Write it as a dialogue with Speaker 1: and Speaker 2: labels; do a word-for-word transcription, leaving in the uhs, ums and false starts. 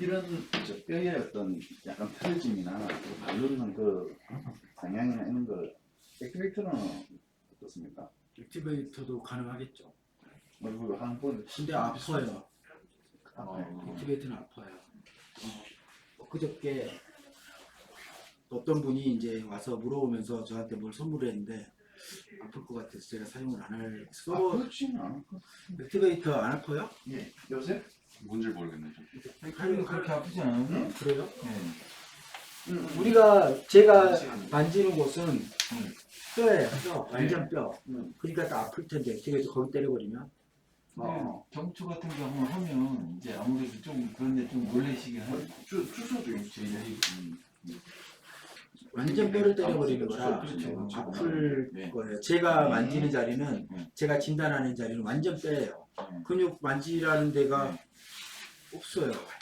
Speaker 1: 이런 저 뼈의 어떤 약간 틀어짐이나 바르는 그 방향이나 이런 거 액티베이터는 어떻습니까?
Speaker 2: 액티베이터도 가능하겠죠.
Speaker 1: 얼굴 한 번.
Speaker 2: 근데 아파요.
Speaker 1: 아파요.
Speaker 2: 액티베이터는 아파요. 어, 그저께 어떤 분이 이제 와서 물어보면서 저한테 뭘 선물했는데 아플 것 같아서 제가 사용을 안 할.
Speaker 1: 아,
Speaker 2: 서
Speaker 1: 그렇지는 않고.
Speaker 2: 액티베이터 안 아파요?
Speaker 1: 예. 요새?
Speaker 3: 뭔지 모르겠네.
Speaker 4: 팔이 그렇게 아프지 않아요?
Speaker 1: 응?
Speaker 2: 그래요?
Speaker 4: 네.
Speaker 1: 응.
Speaker 2: 우리가 제가
Speaker 1: 그렇지.
Speaker 2: 만지는 곳은 뼈예요. 뼈. 완전 뼈.
Speaker 1: 응.
Speaker 2: 그러니까 또 아플 텐데 액티베이터 거기 때려버리면.
Speaker 1: 어.
Speaker 4: 정초 같은 거 한번 하면 이제 아무래도 좀 그런데 좀 놀라시긴 하죠.
Speaker 1: 주, 주소도 있지.
Speaker 2: 완전 뼈를 때려버리는
Speaker 1: 그렇죠.
Speaker 2: 거라
Speaker 1: 그렇죠.
Speaker 2: 아플
Speaker 4: 네.
Speaker 2: 거예요. 제가
Speaker 4: 네.
Speaker 2: 만지는 자리는
Speaker 4: 네.
Speaker 2: 제가 진단하는 자리는 완전 뼈예요.
Speaker 4: 네.
Speaker 2: 근육 만지라는 데가
Speaker 4: 네.
Speaker 2: 없어요.